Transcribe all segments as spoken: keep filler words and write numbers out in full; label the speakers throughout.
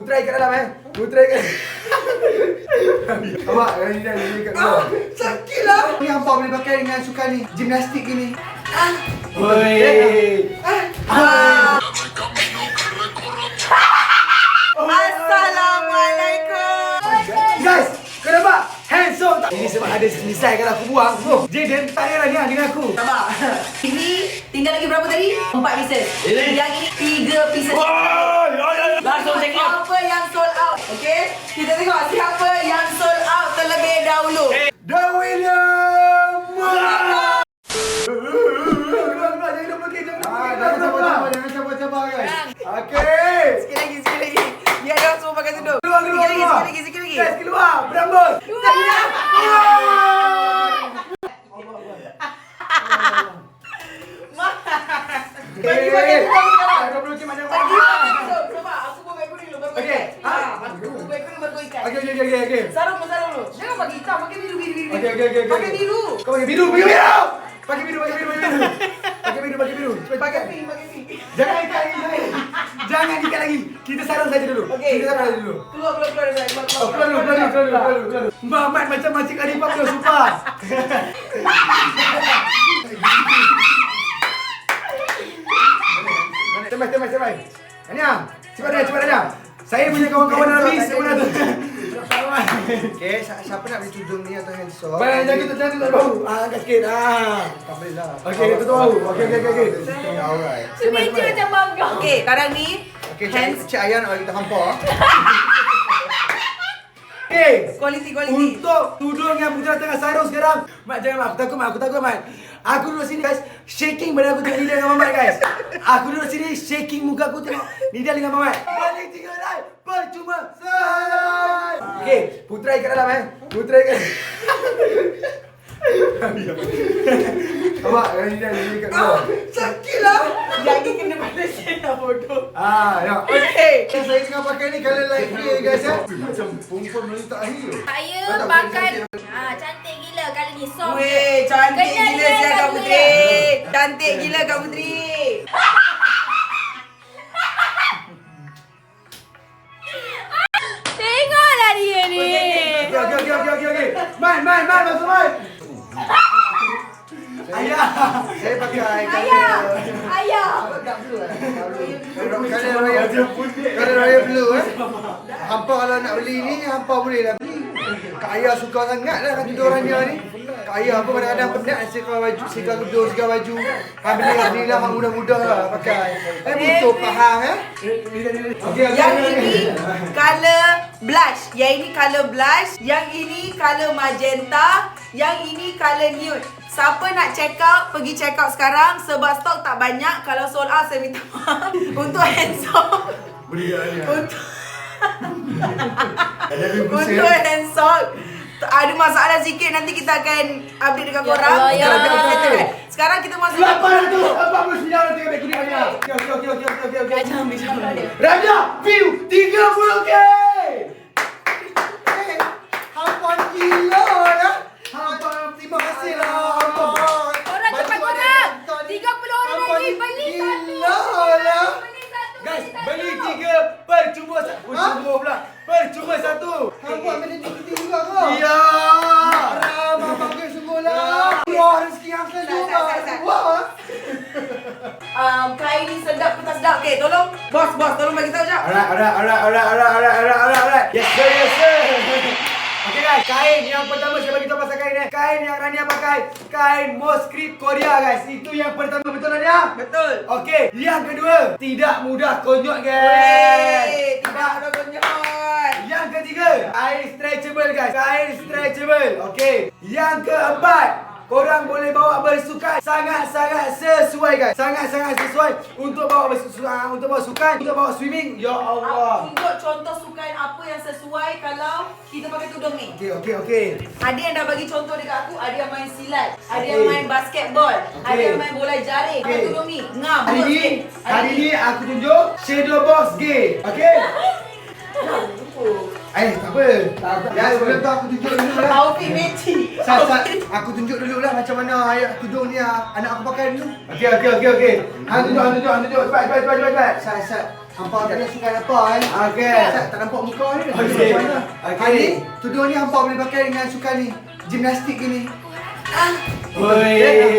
Speaker 1: Putra kat dalam eh. Putra kat. Awak yang ni ni kat dalam.
Speaker 2: Sakit lah.
Speaker 3: Ni hampa boleh pakai dengan sukan ni, gimnastik ni.
Speaker 2: Ah.
Speaker 1: Oi.
Speaker 2: Ah. Assalamualaikum.
Speaker 1: Guys, kau nampak? Handsome tak? Ini sebab ada misal kalau aku buang. Oh, Jaden tak payahlah ni dengan aku.
Speaker 2: Sabar. Ini tinggal lagi berapa tadi? Empat pieces.
Speaker 1: Ini?
Speaker 2: Yang ini tiga pieces.
Speaker 1: Langsung check out.
Speaker 2: Siapa yang sold out? Okey, kita tengok siapa yang sold out terlebih dahulu.
Speaker 1: The William. Keluar-keluar, jangan lupa kita.
Speaker 3: Ah, jangan cabar-cabar, jangan cabar-cabar guys.
Speaker 1: Okey.
Speaker 2: Sikit lagi, sikit lagi. Biar dia semua pakai tudung.
Speaker 1: Keluar, keluar,
Speaker 2: Sikit lagi,
Speaker 1: keluar.
Speaker 2: sikit lagi, sikit lagi.
Speaker 1: Guys, keluar. Berambut.
Speaker 2: Bagi bagi sekarang.
Speaker 1: Kau belum macam
Speaker 2: Bagi
Speaker 1: mana?
Speaker 2: Coba aku buat baik kuning dulu baru
Speaker 1: Okey.
Speaker 2: ikan. Ah, aku buat baik kuning baru ikan.
Speaker 1: Okey, okey, okey, okey.
Speaker 2: Sarung sarung dulu. Jangan pakai hitam, pakai biru biru biru.
Speaker 1: Okey, okey, okey.
Speaker 2: Pakai biru.
Speaker 1: Kau pakai biru, pakai biru. Pakai biru, pakai biru, pakai biru. Pakai biru, pakai biru. Cepat
Speaker 2: Pakai
Speaker 1: pakai.
Speaker 2: pink, pakai pink.
Speaker 1: Jangan ikat lagi, jangan. Jangan ikat lagi. Kita sarung saja dulu.
Speaker 2: Okey.
Speaker 1: Kita sarung saja dulu.
Speaker 2: Keluar keluar keluar dari keluar.
Speaker 1: Oh, keluar dulu, keluar dulu, keluar dulu, keluar dulu, keluar dulu. Mamat macam Makcik Khalifah punya supas. Cepat, cepat, cepat. Ania, cepat dah, cepat dah. Saya punya kawan-kawan dalam bis, saya pun ada.
Speaker 3: Okay, siapa nak beli tudung ni atau handsome?
Speaker 1: Baik, jangan tutup, jangan tutup bau. Ah, angkat sikit. Ah.
Speaker 3: Tak boleh lah.
Speaker 1: Okey, tutup bau. Okey, okey, okey, okey.
Speaker 3: Alright.
Speaker 2: Semeja macam bangga. Okey, sekarang ni
Speaker 3: Okay,
Speaker 2: hands
Speaker 3: Cik, Cik Ayah nak bagi kita hampa.
Speaker 1: Okey.
Speaker 2: quality quality.
Speaker 1: Untuk tudung yang Putra tengah sarung sekarang. Mat, jangan Mat. Aku takut Mat. Aku takut Mat. Aku duduk sini guys. Shaking badan aku tengok Nida dengan Mamat guys. Aku duduk sini shaking muka aku tengok Nida dengan Mamat. Balik tiga line. Percuma. Say. Okey. Putra kat dalam eh. Putra kat Awak yang Nida ni kat dalam.
Speaker 2: Sakit lah. Yang ni kena pada saya bodoh.
Speaker 1: Ah, ya.
Speaker 2: Okey.
Speaker 3: Saya tengah pakai ni colour light grey guys ya. Macam perempuan Melayu tak akhir.
Speaker 4: Saya
Speaker 3: Tak, tak,
Speaker 4: pakai
Speaker 3: cantik.
Speaker 4: ah cantik gila kali ni soft.
Speaker 2: Weh, cantik
Speaker 4: Kena
Speaker 2: gila
Speaker 4: dengan
Speaker 2: saya Kak
Speaker 4: Kak
Speaker 2: Putri. Cantik gila Kak Putri.
Speaker 4: Tengoklah dia ni.
Speaker 1: Okey, okey, okey, okey, okey, okey. Man, man, man, masuk man. Ayah.
Speaker 3: Saya pakai
Speaker 4: Ayah. Ayah.
Speaker 3: colour royal colour royal blue eh. Hampa kalau nak beli ni, hampa boleh lah beli. Kak Ayah suka sangat lah kat tudung orang dia ni. Kak Ayah pun kadang-kadang penat sekat baju, sekat tudung, sekat baju. Han beli beli lah hang mudah-mudah lah pakai. Eh butuh faham eh.
Speaker 1: Okey, okey.
Speaker 2: Yang
Speaker 1: okey,
Speaker 2: ini
Speaker 1: okey.
Speaker 2: color blush. Yang ini color blush. Yang ini color magenta. Yang ini color nude. Siapa nak check out, pergi check out sekarang sebab stok tak banyak. Kalau sold out saya minta maaf. Untuk handsome.
Speaker 1: Beri dia ni.
Speaker 2: Untuk Untuk handsome ada masalah sikit, nanti kita akan update dekat
Speaker 4: Ya
Speaker 2: korang.
Speaker 4: Allah, ya
Speaker 2: Kalau
Speaker 4: Allah.
Speaker 2: kita settle kan. Sekarang kita masuk
Speaker 1: lapan ratus empat puluh sembilan ringgit beg kuning Raja. Okey, okey, okey, okey, okey, okey.
Speaker 4: Jangan ambil jangan dia.
Speaker 1: Raja, view tiga puluh K.
Speaker 3: Eh, hampa gila lah. Hampa terima kasih lah hampa.
Speaker 4: Orang cepat korang. tiga puluh orang lagi beli satu.
Speaker 3: Gila lah.
Speaker 4: Beli satu.
Speaker 1: Guys,
Speaker 4: satu.
Speaker 1: beli tiga percuma satu. Percuma pula. Percuma satu.
Speaker 3: Hampa ambil kita juga kau.
Speaker 1: Ya.
Speaker 3: Haram, abang ke sungguh lah. Wah, rezeki yang
Speaker 2: Sat,
Speaker 3: kedua.
Speaker 2: sat, sat, sat.
Speaker 3: Wah.
Speaker 2: um, kain ni sedap ke tak sedap? Okay, tolong bos, bos tolong bagi tahu jap.
Speaker 1: Alright, alright, alright, alright, alright, alright, alright, alright, alright. Yes sir, yes sir. Okay guys, kain yang pertama saya bagi tahu pasal kain ni. Kain yang Rania pakai, kain Moskrip Korea guys. Itu yang pertama, betul Rania?
Speaker 2: Betul.
Speaker 1: Okey, yang kedua, tidak mudah konyol guys.
Speaker 2: Wey, tidak ada konyol.
Speaker 1: Yang ketiga, kain stretchable guys. Kain stretchable. Okey. Yang keempat, korang boleh bawa bersukan. Sangat-sangat sesuai guys. Sangat-sangat sesuai untuk bawa bersukan, untuk bawa sukan, untuk bawa swimming. Ya Allah.
Speaker 2: Tunjuk contoh sukan apa yang sesuai kalau kita pakai tudung ni.
Speaker 1: Okey, okey, okey.
Speaker 2: Ada yang dah bagi contoh dekat aku, ada yang main silat, ada
Speaker 1: Okey.
Speaker 2: yang main basketball,
Speaker 1: Okey.
Speaker 2: ada yang main bola jaring. Pakai
Speaker 1: Okey.
Speaker 2: tudung ni. Ngam.
Speaker 1: Hari
Speaker 2: terus
Speaker 1: ni,
Speaker 2: sikit.
Speaker 1: hari ni aku tunjuk shadow box gay. Okey? Eh, tak apa. Tak apa.
Speaker 3: Ya, sebelum tu aku tunjuk dulu lah.
Speaker 2: Outfit matching.
Speaker 3: Sat, sat. Aku tunjuk dulu lah macam mana ayat tudung ni ah, anak aku pakai dulu.
Speaker 1: Okey, okey, okey, okey. Hang tunjuk, hang tunjuk, hang tunjuk. Cepat, cepat, cepat, cepat, cepat.
Speaker 3: Sat, sat. Hampa tanya sukan apa eh?
Speaker 1: Okey.
Speaker 3: Tak, tak nampak muka ni.
Speaker 1: Okey.
Speaker 3: Macam mana?
Speaker 1: Okey.
Speaker 3: Hari ni, tudung ni hampa boleh pakai dengan sukan ni. Gimnastik ni.
Speaker 1: Oi.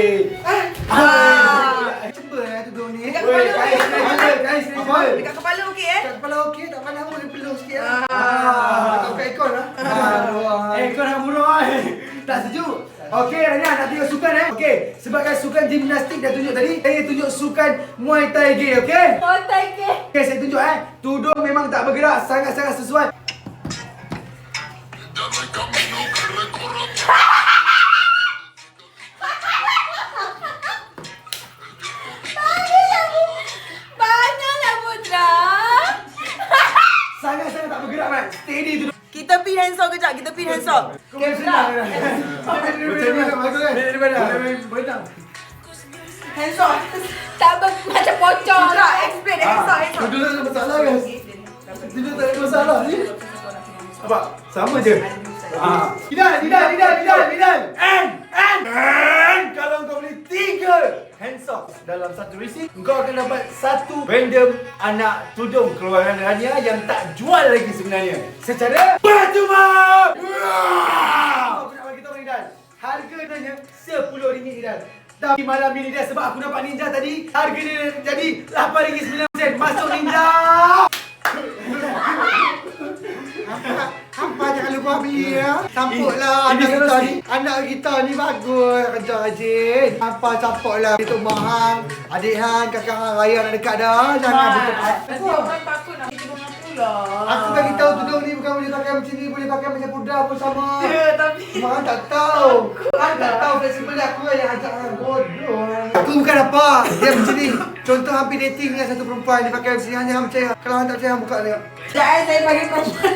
Speaker 2: Ah.
Speaker 3: Cepat eh tudung ni.
Speaker 2: Dekat
Speaker 1: Oi,
Speaker 2: kepala
Speaker 1: kais
Speaker 2: okey.
Speaker 1: stretchable, kais stretchable.
Speaker 2: Dekat kepala okey eh?
Speaker 3: Kat kepala okey, tak pandang pun dia peluh sikit lah.
Speaker 2: Ah.
Speaker 3: Tak kat ekor lah. Ah.
Speaker 1: Eh, kau nak murah eh. Tak sejuk. Okey, Rania nak tengok sukan eh. Okey, sebabkan sukan gimnastik dah tunjuk tadi, saya tunjuk sukan Muay Thai Gi, okey?
Speaker 4: Oh, thank you.
Speaker 1: Okey, saya tunjuk eh. Tudung memang tak bergerak, sangat-sangat sesuai.
Speaker 4: Banyaklah Putra.
Speaker 1: Sangat-sangat tak bergerak, Mat. Steady tudung.
Speaker 2: Kita pin handsaw kejap, kita pin handsaw.
Speaker 1: Okey, senang. Macam ni, bagus kan? Daripada. Berendang.
Speaker 2: Handsaw.
Speaker 4: Tak ber, macam pocong.
Speaker 2: Putra, explain handsaw, handsaw.
Speaker 1: Tudung tak ada masalah, guys. Tudung tak ada masalah ni. Apa? Sama je. Ah. Tidak, tidak, tidak, tidak, tidak. And, and, and kalau kau beli tiga hand socks dalam satu receipt, kau akan dapat satu random anak tudung keluaran Rania yang tak jual lagi sebenarnya. Secara percuma. Aku nak bagi tahu Ridal. Harga dia sepuluh ringgit Ridal. Tapi malam ini dia sebab aku nampak Ninja tadi, harga dia jadi lapan ringgit sembilan sen. Masuk Ninja.
Speaker 3: Hampa, hampa jangan lupa beli ya. Sampuklah
Speaker 1: Ini- ini
Speaker 3: anak kita
Speaker 1: kalau
Speaker 3: ni. Anak kita ni bagus, kerja rajin. Hampa sampuklah Datuk Mahang, adik Han, kakak Han Raya nak dekat dah. Jangan buka.
Speaker 2: Nanti orang takut nak pergi dengan aku lah.
Speaker 3: Aku bagi tahu tudung ni bukan boleh pakai macam ni, boleh pakai macam pudra pun sama.
Speaker 2: Ya, tapi
Speaker 3: Mahang tak tahu. Han tak tahu fleksibel aku lah yang ajak Han bodoh. Aku bukan apa. Dia macam ni. Contoh hampir dating dengan satu perempuan dia pakai macam ni, hanya Han percaya. Kalau Han tak percaya, Han buka dia.
Speaker 2: sekejap eh, saya bagi perempuan.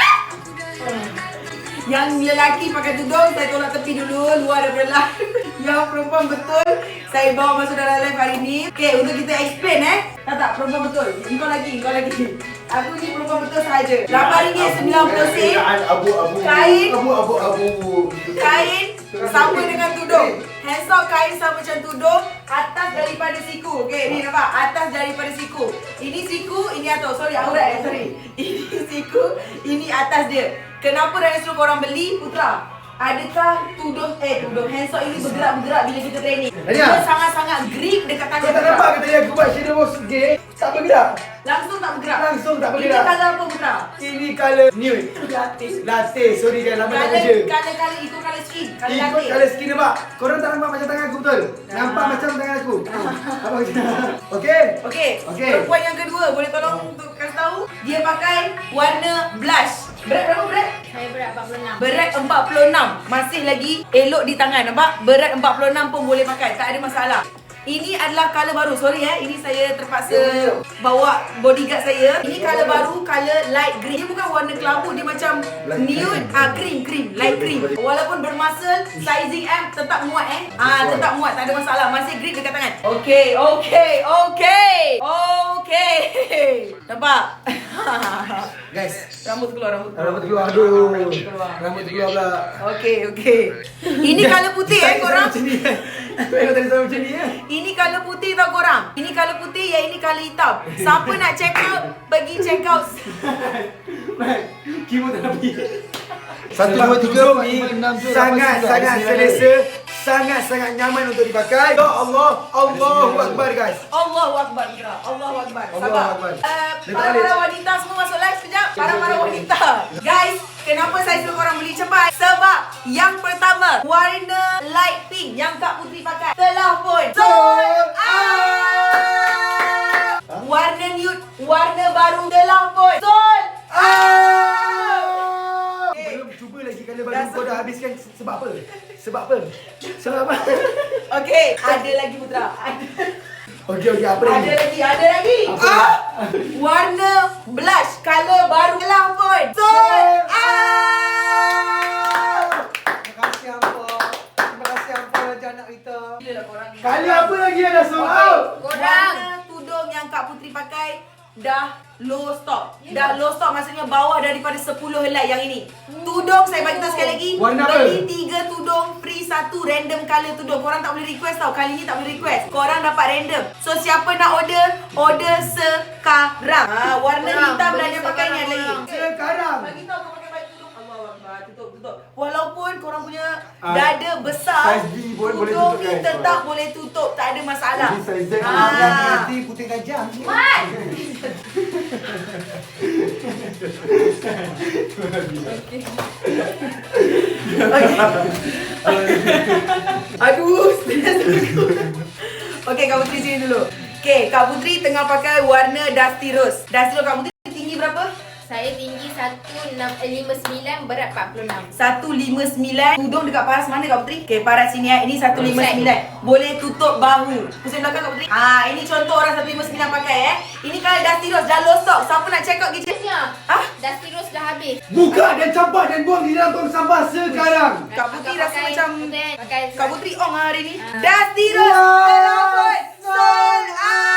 Speaker 2: Yang lelaki pakai tudung, saya tolak tepi dulu, luar daripada live. Yang perempuan betul, saya bawa masuk dalam live hari ni. Okay, untuk kita explain eh. Tak tak, perempuan betul. Engkau lagi, engkau lagi. Aku ni perempuan betul sahaja. lapan ringgit sembilan puluh sen.
Speaker 1: Abu-abu.
Speaker 2: Kain.
Speaker 1: Abu-abu.
Speaker 2: Kain sama dengan tudung. Handsock kain sama macam tudung. Atas daripada siku. Okay, ni nampak? Atas daripada siku. Ini siku, ini atas. Sorry, aurat eh, sorry. Ini siku, ini atas dia. Kenapa Rania suruh korang beli? Putra, adakah tudung, eh tudung handsock ini bergerak-bergerak bila kita training?
Speaker 1: Rania.
Speaker 2: Dia sangat-sangat grip dekat tangan
Speaker 1: Kau tak
Speaker 2: Putra.
Speaker 1: nampak ke tadi aku buat shadow box gay? Tak bergerak.
Speaker 2: Langsung tak bergerak.
Speaker 1: Langsung tak
Speaker 2: Ini
Speaker 1: bergerak.
Speaker 2: colour apa Putra?
Speaker 1: Ini colour nude.
Speaker 2: Latte.
Speaker 1: Latte. Sorry kan, lama tak
Speaker 2: Colour,
Speaker 1: kerja.
Speaker 2: colour-colour itu colour skin. Colour
Speaker 1: Ikut
Speaker 2: latte.
Speaker 1: colour skin nampak? Korang tak nampak macam tangan aku betul? Nampak macam tangan aku? Apa macam? Okey?
Speaker 2: Okey,
Speaker 1: Okey.
Speaker 2: perempuan yang kedua boleh tolong untuk kasih tahu. Dia pakai warna blush. Berat berapa berat?
Speaker 4: Saya berat empat puluh enam.
Speaker 2: Berat empat puluh enam. Masih lagi elok di tangan, nampak? Berat empat puluh enam pun boleh pakai, tak ada masalah. Ini adalah colour baru. Sorry eh, ini saya terpaksa bawa bodyguard saya. Ini colour baru, colour light green. Dia bukan warna kelabu, dia macam nude, ah cream, cream, light cream. Walaupun bermuscle, sizing M tetap muat eh. Ah, tetap muat, tak ada masalah. Masih grip dekat tangan. Okey, okey, okey. Okey. Nampak?
Speaker 1: Guys.
Speaker 2: Rambut keluar, rambut keluar.
Speaker 1: Rambut keluar. Aduh.
Speaker 2: Rambut keluar.
Speaker 1: Rambut keluar pula.
Speaker 2: Okey, okey. Ini colour putih eh korang.
Speaker 1: Macam ni kan? Kau tadi sama macam ni ya?
Speaker 2: Ini colour putih tau korang. Ini colour putih, yang ini colour hitam. Siapa nak check out, pergi check out.
Speaker 1: Mat, kimo tak nak pergi.
Speaker 3: Satu,
Speaker 1: Sebab
Speaker 3: dua, tiga,
Speaker 1: tudung
Speaker 3: empat,
Speaker 1: ni
Speaker 3: lima, enam, tujuh,
Speaker 1: sangat
Speaker 3: lapan,
Speaker 1: sangat
Speaker 3: sembilan,
Speaker 1: selesa, sangat sangat nyaman untuk dipakai. Ya Allah, Allahu Akbar guys.
Speaker 2: Allahu Akbar Putra. Allahu Akbar.
Speaker 1: Allahu
Speaker 2: Sabar.
Speaker 1: Akbar.
Speaker 2: Uh,
Speaker 1: Letak
Speaker 2: para-para
Speaker 1: balik.
Speaker 2: wanita semua masuk live sekejap. Para-para wanita. Guys, kenapa saya suruh korang beli cepat? Sebab yang pertama, warna light pink yang Kak Putri pakai telah pun sold out. Warna nude, warna baru telah pun sold out.
Speaker 1: Belum cuba lagi kalau baru
Speaker 2: Dah
Speaker 1: kau dah habiskan sebab apa? Sebab apa? Sebab apa?
Speaker 2: Okey, ada lagi Putra. Ada.
Speaker 1: Okey okey apa lagi?
Speaker 2: Ada lagi, ada lagi.
Speaker 1: Apa?
Speaker 2: Ah! Warna blush color baru telah pun sold out.
Speaker 3: Terima kasih hampa. Terima kasih hampa raja anak kita.
Speaker 2: Gila lah korang ni.
Speaker 1: Kali apa lagi yang dah sold out?
Speaker 2: Korang tudung yang Kak Putri pakai dah low stock. Dah low stock maksudnya bawah daripada sepuluh helai yang ini. Tudung saya bagi tahu sekali lagi.
Speaker 1: Warna apa?
Speaker 2: Beli tiga tudung free satu random colour tudung. Korang tak boleh request tau. Kali ni tak boleh request. Korang dapat random. So siapa nak order, order sekarang. Ha, warna hitam dah dia pakai ni ada lagi.
Speaker 1: Sekarang.
Speaker 2: Bagi tahu kau pakai baju tudung. Allahu Akbar. Tutup, tutup. Walaupun korang punya
Speaker 1: Ah,
Speaker 2: dada besar,
Speaker 1: size B pun boleh
Speaker 2: tudung
Speaker 1: tutup,
Speaker 2: ni
Speaker 1: guys.
Speaker 2: tetap boleh tutup. Tak ada masalah.
Speaker 1: Ini size Z.
Speaker 2: Ah.
Speaker 1: Nanti putih tajam.
Speaker 4: Mat!
Speaker 2: Aduh, stres aku. Okey, Kak Putri sini dulu. Okey, Kak Putri tengah pakai warna Dusty Rose. Dusty Rose, Kak Putri tinggi berapa?
Speaker 4: Saya tinggi seratus lima puluh sembilan, berat empat puluh enam.
Speaker 2: seratus lima puluh sembilan. Tudung dekat paras mana Kak Putri? Okey, paras sini ya. Ini seratus lima puluh sembilan. Boleh tutup bahu. Pusing belakang Kak Putri. Ah, ini contoh orang seratus lima puluh sembilan pakai eh. Ini kalau Dusty Rose dah low stock. Siapa nak check out kitchen? Ah?
Speaker 4: Dusty Rose dah habis.
Speaker 1: Buka dan campak dan buang di dalam tong sampah sekarang.
Speaker 2: Kak Putri
Speaker 4: Agak
Speaker 2: rasa
Speaker 4: pakai-
Speaker 2: macam
Speaker 4: pakai
Speaker 2: Kak Putri on lah hari ni.
Speaker 4: Ah.
Speaker 2: Dusty Rose
Speaker 1: Wow.
Speaker 2: telah pun sold out.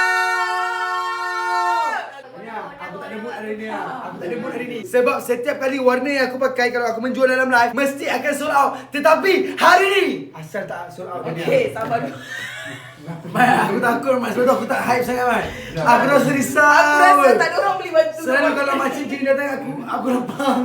Speaker 1: Aku tak ada mood hari ni. Aku tak ada mood hari ni. Sebab setiap kali warna yang aku pakai kalau aku menjual dalam live mesti akan sold out. Tetapi hari ni asal tak sold out ni.
Speaker 2: Okey, sabar dulu.
Speaker 1: Man, aku takut Mat. Sebab tu aku tak hype sangat Mat. Aku rasa risau.
Speaker 2: Aku rasa tak ada orang beli baju.
Speaker 1: Selalu kalau makcik kini datang aku, aku lapang.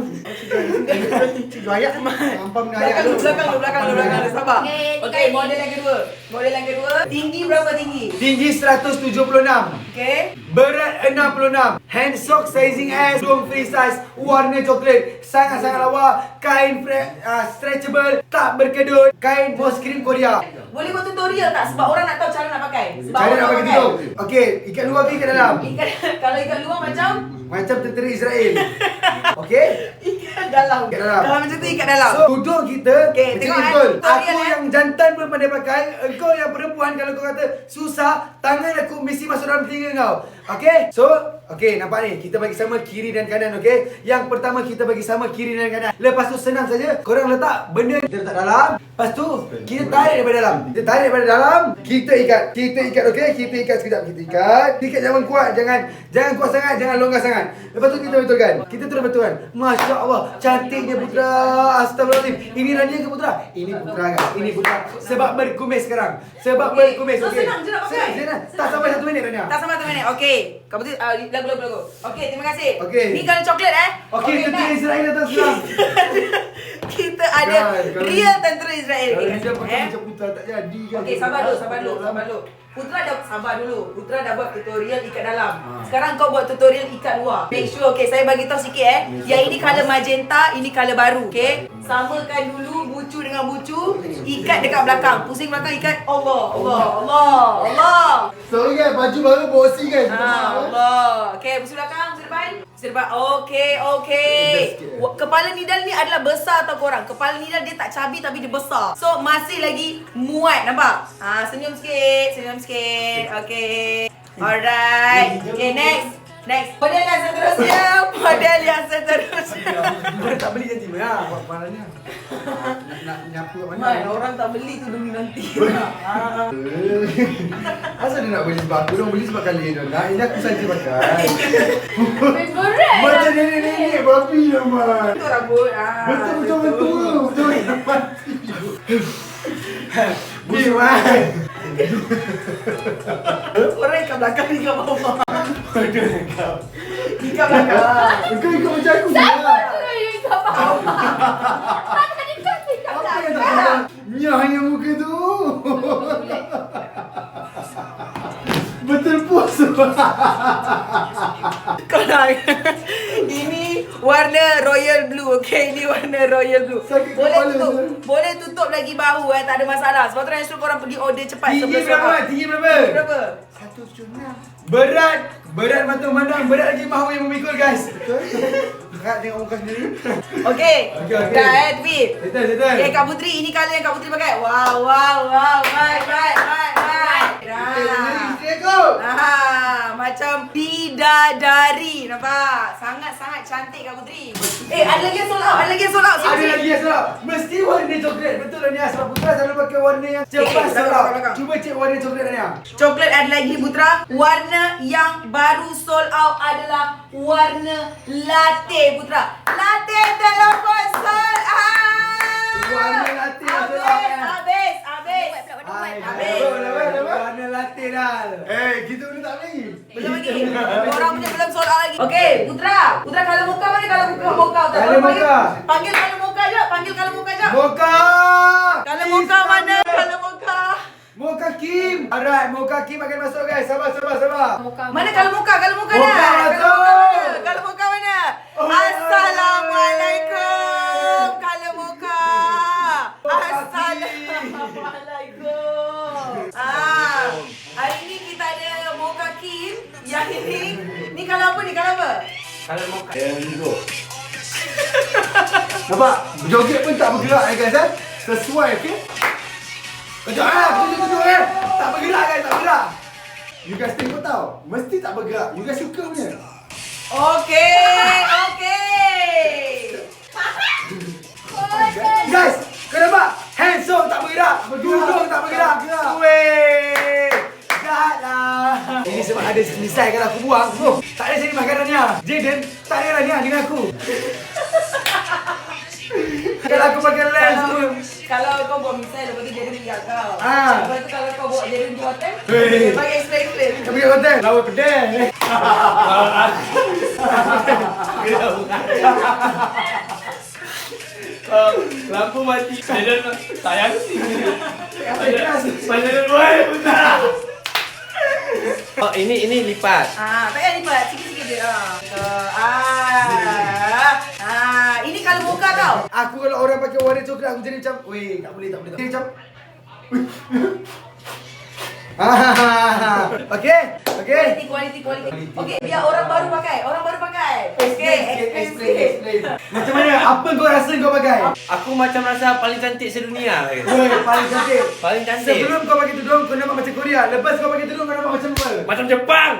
Speaker 3: Cik Ayak Ampam dengan
Speaker 2: Belakang
Speaker 3: Ayak
Speaker 2: dulu, belakang dulu, belakang dulu, belakang dulu. Sabar.
Speaker 4: Okey,
Speaker 2: Okey,
Speaker 4: tiga
Speaker 2: model
Speaker 4: ini.
Speaker 2: yang kedua. Model yang kedua. Tinggi berapa tinggi?
Speaker 1: Tinggi seratus tujuh puluh enam.
Speaker 2: Okey.
Speaker 1: Berat enam puluh enam. Hand sock sizing S, tudung free size, warna coklat. Sangat-sangat lawa. Kain fre- uh, stretchable, tak berkedut. Kain bos krim Korea.
Speaker 2: Boleh buat tutorial tak? Sebab orang nak tahu cara nak pakai. Sebab
Speaker 1: Cara
Speaker 2: orang
Speaker 1: nak bagi
Speaker 2: pakai.
Speaker 1: tudung. Okey, ikat luar ke ikat dalam?
Speaker 2: Ikat, kalau ikat luar macam
Speaker 1: Macam tentera Israel. Okey?
Speaker 2: ikat dalam.
Speaker 1: Ikat dalam.
Speaker 2: Kalau macam tu ikat dalam.
Speaker 1: So, tudung kita
Speaker 2: Okey,
Speaker 1: macam
Speaker 2: tengok
Speaker 1: ni
Speaker 2: eh,
Speaker 1: betul.
Speaker 2: tutorial
Speaker 1: Aku
Speaker 2: eh.
Speaker 1: yang jantan pun pandai pakai. Engkau yang perempuan kalau kau kata susah, tangan aku mesti masuk dalam telinga kau. Okey? So, okey, nampak ni. Kita bagi sama kiri dan kanan, okey? Yang pertama kita bagi sama kiri dan kanan. Lepas tu senang saja. Korang letak benda kita letak dalam. Lepas tu kita tarik daripada dalam. Kita tarik daripada dalam, kita ikat. Kita ikat, okey? Kita ikat sekejap. Kita ikat. Ikat jangan kuat, jangan jangan kuat sangat, jangan longgar sangat. Lepas tu kita betulkan. Kita terus betulkan. Masya Allah, cantiknya Putra. Astagfirullahaladzim. Ini Rania ke Putra? Ini Putra kan? Ini Putra. Sebab berkumis sekarang. Sebab
Speaker 2: Okey.
Speaker 1: berkumis.
Speaker 2: So,
Speaker 1: okey.
Speaker 2: senang je nak pakai.
Speaker 1: Senang, senang. Tak sampai satu minit Rania.
Speaker 2: Tak sama tu minit. Okey. Kau betul uh, lagu lagu lagu. Okey, terima kasih.
Speaker 1: Okey.
Speaker 2: Ni kalau coklat eh.
Speaker 1: Okey, tentera
Speaker 2: next.
Speaker 1: Israel datang sekarang.
Speaker 2: Kita ada
Speaker 1: Guys, kalau
Speaker 2: real
Speaker 1: ni-
Speaker 2: tentera Israel.
Speaker 1: Kalau
Speaker 2: Okey,
Speaker 1: dia pakai
Speaker 2: eh.
Speaker 1: macam Putra tak jadi kan?
Speaker 2: Okey, sabar dulu, sabar dulu, sabar dulu. Putra dah sabar dulu. Putra dah buat tutorial ikat dalam.
Speaker 1: Ha.
Speaker 2: Sekarang kau buat tutorial ikat luar. Make sure, okey, saya bagi tahu sikit eh. Yang ini color magenta, ini color baru, okey? Samakan dulu bucu dengan bucu, ikat dekat belakang. Pusing belakang ikat. Allah, Allah, Allah, Allah.
Speaker 3: Sorry kan, baju baru bosi kan.
Speaker 2: Ah, Allah. Okey, pusing belakang, pusing depan. Pusing depan. Okey, okey. Wa- Kepala Nidal ni adalah besar tau korang. Kepala Nidal dia tak cabi tapi dia besar. So masih lagi muat, nampak? Ah, senyum sikit, senyum sikit. Okey. Alright. Okay, next. Next. Model yang seterusnya. Model yang seterusnya.
Speaker 1: Mana tak beli janji mana? Buat parahnya.
Speaker 3: Nak nak nyapu kat
Speaker 2: Man,
Speaker 3: mana?
Speaker 2: orang tak beli tu demi nanti.
Speaker 3: Asal dia nak beli sebab aku orang beli sebab kali dia nak. Ini aku saja pakai.
Speaker 4: Favorite.
Speaker 3: Macam nenek-nenek babi lah man.
Speaker 2: Itu rambut. Ah,
Speaker 3: Betul betul betul. Betul.
Speaker 1: Ni man.
Speaker 2: Orang ikat belakang, ikat bawah.
Speaker 1: Aduh kau.
Speaker 2: Ikat belakang.
Speaker 3: Kau ikut macam aku je
Speaker 4: Siapa
Speaker 3: lah.
Speaker 4: tu yang ikat bawah? Tadi kau ikat
Speaker 3: Apa yang tak
Speaker 4: belakang.
Speaker 3: tahu? Mia hanya muka tu. Betul puas.
Speaker 2: Kau nak ini warna royal blue, okey? Ini warna royal blue.
Speaker 3: Sakit
Speaker 2: Boleh
Speaker 3: kepala,
Speaker 2: tutup,
Speaker 3: Zul.
Speaker 2: boleh tutup lagi bahu eh, tak ada masalah. Sebab tu Ryan suruh korang pergi order cepat
Speaker 1: Tinggi
Speaker 2: sebelum
Speaker 1: berapa?
Speaker 2: sold out.
Speaker 1: Tinggi berapa?
Speaker 2: Tinggi berapa?
Speaker 3: Satu cuma.
Speaker 1: Berat. Berat mata memandang. Berat lagi mahu yang memikul guys.
Speaker 3: Betul? Berat tengok muka sendiri.
Speaker 2: Okey.
Speaker 1: Okey, okey.
Speaker 2: Dah eh, tweet.
Speaker 1: Settle, settle.
Speaker 2: Okay, Kak Putri, ini colour yang Kak Putri pakai. Wow, wow, wow. Baik, baik, baik, baik. Nah.
Speaker 3: Isteri aku.
Speaker 2: Ah, macam bidadari. Nampak? Sangat-sangat cantik Kak Putri. Eh, ada lagi yang sold out. Ada lagi yang sold out.
Speaker 1: Ada lagi yang salah. Mesti warna coklat. Betul lah Nia. Sebab Putra selalu pakai warna yang cepat
Speaker 2: Eh, eh,
Speaker 1: salah.
Speaker 2: belakang, belakang.
Speaker 1: Cuba cek warna coklat Nia.
Speaker 2: Coklat ada lagi Putra. Warna yang baru sold out adalah warna latte Putra. Latte telefon sold out.
Speaker 1: Warna latte yang sold out,
Speaker 2: Habis,
Speaker 1: kan?
Speaker 2: habis, habis.
Speaker 1: Hai,
Speaker 2: Habis.
Speaker 1: betul, betul, betul. Warna latte dah.
Speaker 3: Eh, kita boleh tak lagi?
Speaker 2: Belum lagi. Orang punya belum sold out lagi. Okey, Putra. Putra kalau muka mana kalau muka muka Putra?
Speaker 1: Kalau
Speaker 2: Panggil-
Speaker 1: muka.
Speaker 2: Panggil kalau muka je. Panggil kalau muka je.
Speaker 1: Moka.
Speaker 2: Kalau muka mana? Kalau muka.
Speaker 1: Moka Kim. Alright, Moka Kim akan masuk guys. Sabar, sabar, sabar.
Speaker 2: Mana kalau muka? Kalau muka
Speaker 1: Muka
Speaker 2: dah. Kalau
Speaker 1: masuk.
Speaker 2: muka mana? Kalau muka mana?
Speaker 1: Oh,
Speaker 2: Assalamualaikum. Kalau muka.
Speaker 1: Muka
Speaker 2: Assalamualaikum. Ah, hari ni kita ada Moka Kim. Yang ini, ni kalau apa ni? Kalau apa?
Speaker 1: Kalau Moka. Nampak? Joget pun tak bergerak eh guys eh. Sesuai okey? Kejap eh, kejap kejap eh. Tak bergerak guys, tak bergerak. You guys tengok tau. Mesti tak bergerak. You guys suka punya.
Speaker 2: Okey, okey.
Speaker 1: Guys, kau nampak? Hands up tak bergerak. Duduk tak bergerak. Weh. Jahatlah. Ini sebab ada misai kalau aku buang. Oh, tak ada sini makanannya. Jaden, tak ada lah Nia dengan aku. Kalau aku pakai lens tu.
Speaker 2: Kalau kau buat misal, lepas tu jadi tinggal kau.
Speaker 1: Ah.
Speaker 2: Lepas tu kalau kau buat jadi di hotel,
Speaker 1: Hei.
Speaker 2: bagi explain-explain.
Speaker 1: Kau pergi hotel. Lawa pedih.
Speaker 5: Lampu mati. Dia sayang sih. Padahal boy benar. Oh, ini ini lipat.
Speaker 2: Ah, tak payah lipat. Sikit-sikit je. Ah. Ah. Ah, ini kalau muka tau.
Speaker 1: Aku kalau orang pakai warna coklat aku jadi macam, weh, tak boleh, tak boleh. Tak. Jadi macam Ah, okey, okey.
Speaker 2: Kualiti, kualiti, kualiti. Okey, biar orang baru pakai. Orang baru pakai. Okey, explain sikit.
Speaker 1: Macam mana? Apa kau rasa kau pakai?
Speaker 5: Aku macam rasa paling cantik sedunia.
Speaker 1: Weh, paling cantik.
Speaker 5: Paling cantik.
Speaker 1: Sebelum kau pakai tudung, kau nampak macam Korea. Lepas kau pakai tudung, kau nampak macam apa?
Speaker 5: Macam Jepang.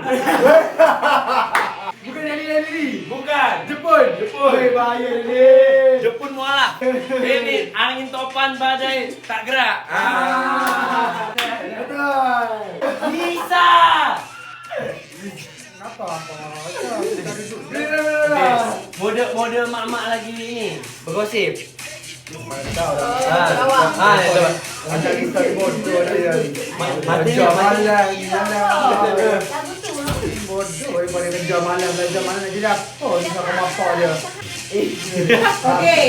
Speaker 1: Bukan yang ni, yang ni.
Speaker 5: Bukan.
Speaker 1: Jepun. Jepun. Weh, bahaya ni.
Speaker 5: Jepun mualah. Ini angin topan badai tak gerak.
Speaker 1: Ah. Betul.
Speaker 5: Bisa.
Speaker 3: Kenapa? Apa? Macam kita duduk.
Speaker 5: Mode mode mak-mak lagi ni bergosip.
Speaker 3: Tahu dah.
Speaker 2: Awak.
Speaker 5: Ah, coba.
Speaker 3: Macam kita bodoh dia.
Speaker 5: Mati
Speaker 3: Kerja
Speaker 5: mati.
Speaker 3: malam, malam. Bodoh daripada kerja malam, kerja malam nak jadi apa? Ni sama apa dia.
Speaker 2: Okey.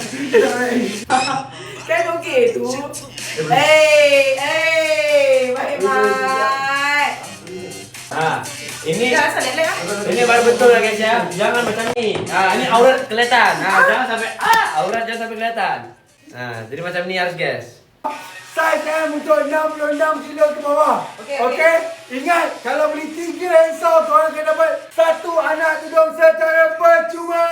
Speaker 2: Kan okey tu. Eh, eh, baik-baik.
Speaker 5: Ah, ini
Speaker 2: Jangan salah lah.
Speaker 5: ini baru betul lah guys ya. Jangan macam ni. Ah, ini aurat kelihatan. Ah, jangan sampai ah, aurat jangan sampai kelihatan. Ah, jadi macam ni harus guys.
Speaker 1: Saiz M untuk enam puluh enam kilo ke bawah.
Speaker 2: Okey,
Speaker 1: Okey. Ingat, kalau beli tiga handsome, korang akan dapat satu anak tudung secara percuma.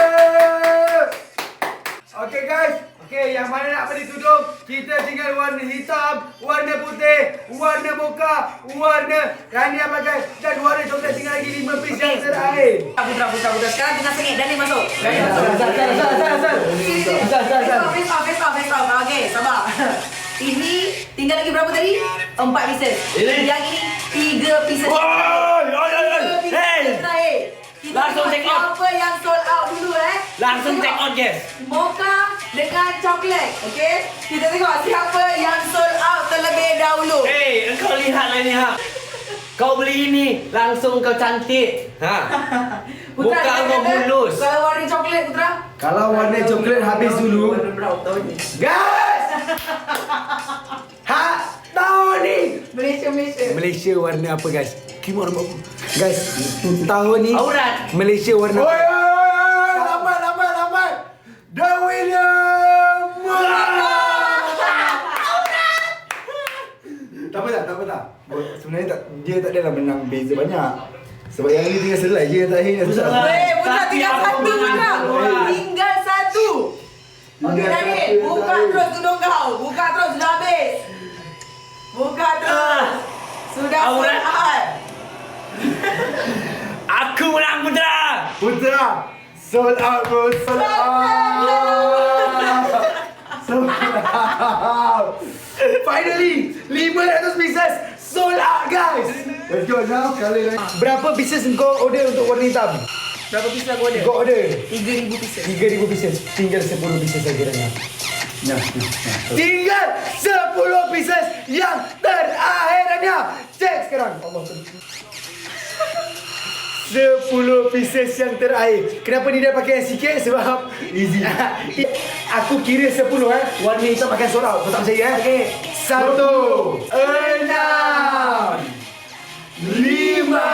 Speaker 1: Okey guys. Okey, yang mana nak beli tudung, kita tinggal warna hitam, warna putih, warna mocha, warna Rania pakai dan warna coklat, tinggal lagi lima piece yang terakhir.
Speaker 2: Putra, putra, putra. Sekarang tengah sengit. Dani masuk. Dani masuk.
Speaker 1: Asal, asal, asal, asal, asal. Asal, asal, asal.
Speaker 2: Face off, face off, face off. Okey, sabar. Ini tinggal lagi berapa tadi? Empat pieces.
Speaker 5: Ini?
Speaker 2: Yang ini tiga pieces.
Speaker 5: Oi, oi, oi, oi.
Speaker 2: Tiga pieces
Speaker 5: Hey.
Speaker 2: terakhir. Kita
Speaker 5: Langsung
Speaker 2: tengok
Speaker 5: check out.
Speaker 2: Siapa yang sold out dulu eh?
Speaker 5: Langsung
Speaker 2: Tengok.
Speaker 5: check out guys.
Speaker 2: Mocha dengan coklat. Okey? Kita tengok siapa yang sold out terlebih dahulu.
Speaker 5: Hey, engkau lihatlah ni ha. Kau beli ini, langsung kau cantik. Ha.
Speaker 2: Putra,
Speaker 5: Muka
Speaker 2: kita
Speaker 5: kau
Speaker 2: kata,
Speaker 5: mulus.
Speaker 2: Kalau warna coklat, Putra.
Speaker 1: Kalau warna coklat habis dulu,
Speaker 2: Warna brown tahun ni.
Speaker 1: guys! Ha, tahun ni
Speaker 2: Malaysia, Malaysia.
Speaker 1: Malaysia warna apa guys? Kim warna apa? Guys, tahun ni
Speaker 5: Aurat.
Speaker 1: Malaysia warna apa? Oi, oi, oi, lambat, lambat, lambat. The winner! Tak apa tak, tak apa tak. Sebenarnya tak, dia tak adalah menang beza banyak. Sebab yang ni tinggal selai je yang terakhir yang susah.
Speaker 2: Weh, Putra
Speaker 5: Tapi
Speaker 2: tinggal
Speaker 5: aku
Speaker 2: satu,
Speaker 5: menang
Speaker 2: Putra.
Speaker 5: aurat.
Speaker 2: Tinggal satu. Okey,
Speaker 1: Tinggal
Speaker 2: Dani.
Speaker 1: satu,
Speaker 2: Buka
Speaker 1: Dani.
Speaker 2: terus tudung kau. Buka terus, dah habis. Buka terus. Sudah
Speaker 5: Aurat.
Speaker 2: sold out.
Speaker 5: Aku menang Putra.
Speaker 1: Putra, sold out bro, sold out. Sold out. Finally, lima ratus pieces sold out guys.
Speaker 3: Let's go now. Kali lagi.
Speaker 1: Berapa pieces kau order untuk warna hitam?
Speaker 2: Berapa pieces aku ada?
Speaker 1: Kau order
Speaker 2: tiga ribu pieces.
Speaker 1: tiga ribu pieces. Tinggal sepuluh pieces saja Rania. Nah, nah, nah. Tinggal sepuluh pieces yang terakhir Rania. Cek sekarang. Allah sepuluh pieces yang terakhir. Kenapa ni dia pakai yang sikit? Sebab easy. Aku kira sepuluh eh. Warna hitam akan sold out. Kau tak percaya eh?
Speaker 2: Okey.
Speaker 1: Satu, enam, lima.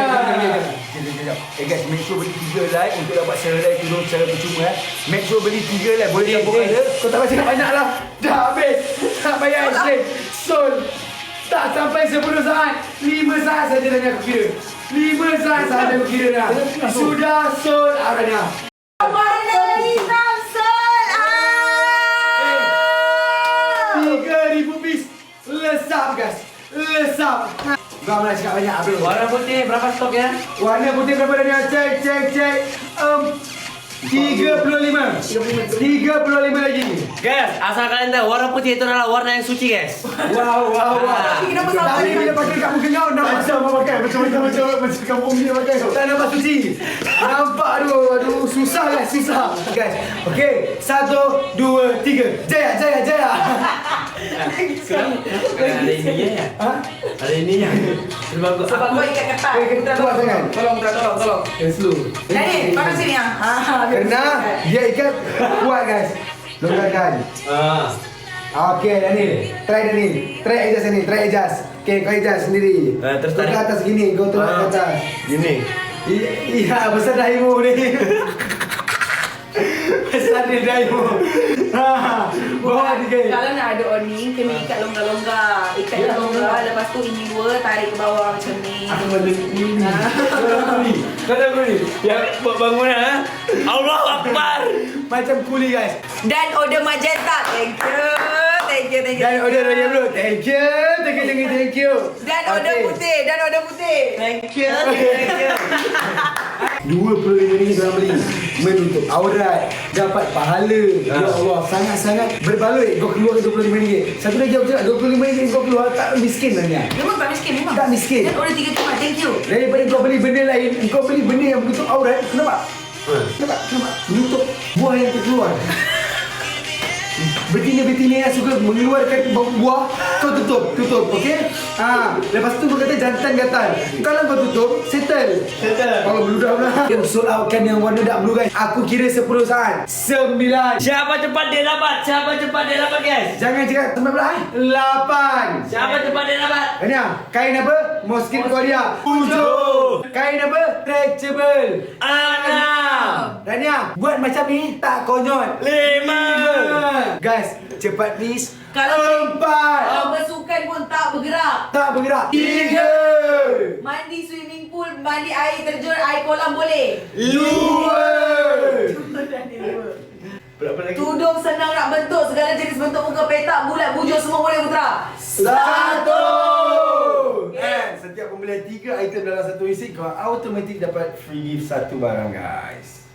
Speaker 1: Eh guys, make sure beli tiga like untuk dapat sehelai tudung secara percuma eh. Make sure beli tiga like. Boleh campur colour. Kau tak baca banyak lah. Dah habis. Tak payah explain. Sold. Tak sampai sepuluh saat. lima saat saja dah aku kira. lima saat saja aku kira dah. Sudah sold out dah.
Speaker 2: Warna hitam sold out.
Speaker 1: tiga ribu piece. Lesap guys. Lesap. Kau nak cakap banyak bro.
Speaker 5: Warna putih berapa stok ya?
Speaker 1: Warna putih berapa dah? Cek, cek, cek. Um, tiga puluh lima. tiga puluh lima lagi.
Speaker 5: Guys, asal kalian tahu warna putih itu adalah warna yang suci guys.
Speaker 1: Wow, wow, wow.
Speaker 2: Ini kenapa sampai
Speaker 1: Tadi
Speaker 2: ni?
Speaker 1: bila pakai kat muka kau, nampak macam apa pakai? Macam macam macam macam kampung dia pakai. Tak nampak suci. Nampak aduh, aduh susah guys, susah. Guys, okey. Satu, dua, tiga. Jaya, jaya, jaya.
Speaker 5: Sekarang ada ininya ya?
Speaker 1: Ha?
Speaker 5: Ada ininya. Sebab aku,
Speaker 2: Sebab kau ikat ketat.
Speaker 1: Eh, ketat sangat.
Speaker 2: Tolong, Putra, tolong, tolong.
Speaker 1: Eh, slow.
Speaker 2: Daniel, mana sini ah? Ha,
Speaker 1: Kerana dia ikat kuat guys. Longgarkan.
Speaker 5: Ah.
Speaker 1: Okey, Daniel. Try Daniel. Try adjust Daniel. Try adjust. Okey, kau adjust sendiri.
Speaker 5: Eh, terus
Speaker 1: Kau ke
Speaker 5: tarik.
Speaker 1: atas gini. Kau tolak ke
Speaker 5: Ah.
Speaker 1: atas.
Speaker 5: Gini.
Speaker 1: I- Iya, besar dahimu ni. Besar dia dahimu. Ha, bawah dikit.
Speaker 2: Kalau nak ada awning, kena ikat longgar-longgar. Ikat
Speaker 1: Ya,
Speaker 2: longgar, lepas tu ini dua, tarik ke bawah macam ni.
Speaker 1: Aku balik ni. Kau kuli. Kau dah kuli.
Speaker 5: Ya, buat bangunan ha? Allah Akbar.
Speaker 1: Macam kuli guys.
Speaker 2: Dan order magenta. Thank you. Thank you, thank you.
Speaker 1: Dan order Raya bro. Thank you. Thank you, thank you, thank you.
Speaker 2: Dan order
Speaker 1: Okey.
Speaker 2: putih. Dan order putih.
Speaker 5: Thank you. Thank you.
Speaker 1: Dua puluh lima ringgit korang beli menutup aurat, dapat pahala. Ya Allah, sangat-sangat berbaloi kau keluar dua puluh lima ringgit. Satu lagi aku cakap dua puluh lima ringgit kau keluar tak miskin sebenarnya.
Speaker 2: Memang tak miskin, memang.
Speaker 1: Tak miskin.
Speaker 2: Dan order tiga tempat. Thank you.
Speaker 1: Daripada kau beli benda lain, kau beli benda yang menutup aurat. Kenapa? Kenapa? Kenapa? Menutup buah yang terkeluar. Betina-betina yang suka mengeluarkan buah, kau tutup, tutup, okey? Ha, lepas tu kau kata jantan gatal. Kalau kau tutup, settle.
Speaker 5: Settle.
Speaker 1: Kalau blue dah pula. Yang sold out kan yang warna dark blue guys. Aku kira sepuluh saat. sembilan.
Speaker 5: Siapa cepat dia dapat? Siapa cepat dia dapat guys?
Speaker 1: Jangan cakap sembilan belas eh. lapan.
Speaker 5: Siapa cepat dia dapat?
Speaker 1: Rania, kain apa? Mosquito Korea. Tujuh. Kain apa? Stretchable.
Speaker 5: Enam.
Speaker 1: Rania, buat macam ni tak konyol.
Speaker 5: Lima.
Speaker 1: Guys, cepat please.
Speaker 2: Kalau
Speaker 1: Empat.
Speaker 2: kalau bersukan pun tak bergerak.
Speaker 1: Tak bergerak. Tiga.
Speaker 2: Mandi swimming pool, mandi air terjun, air kolam boleh.
Speaker 1: Dua.
Speaker 5: Berapa lagi?
Speaker 2: Tudung senang nak bentuk, segala jenis bentuk muka petak, bulat, bujur semua boleh Putra.
Speaker 1: Satu.
Speaker 2: Okay.
Speaker 1: And setiap pembelian tiga item dalam satu isi, kau automatik dapat free gift satu barang guys.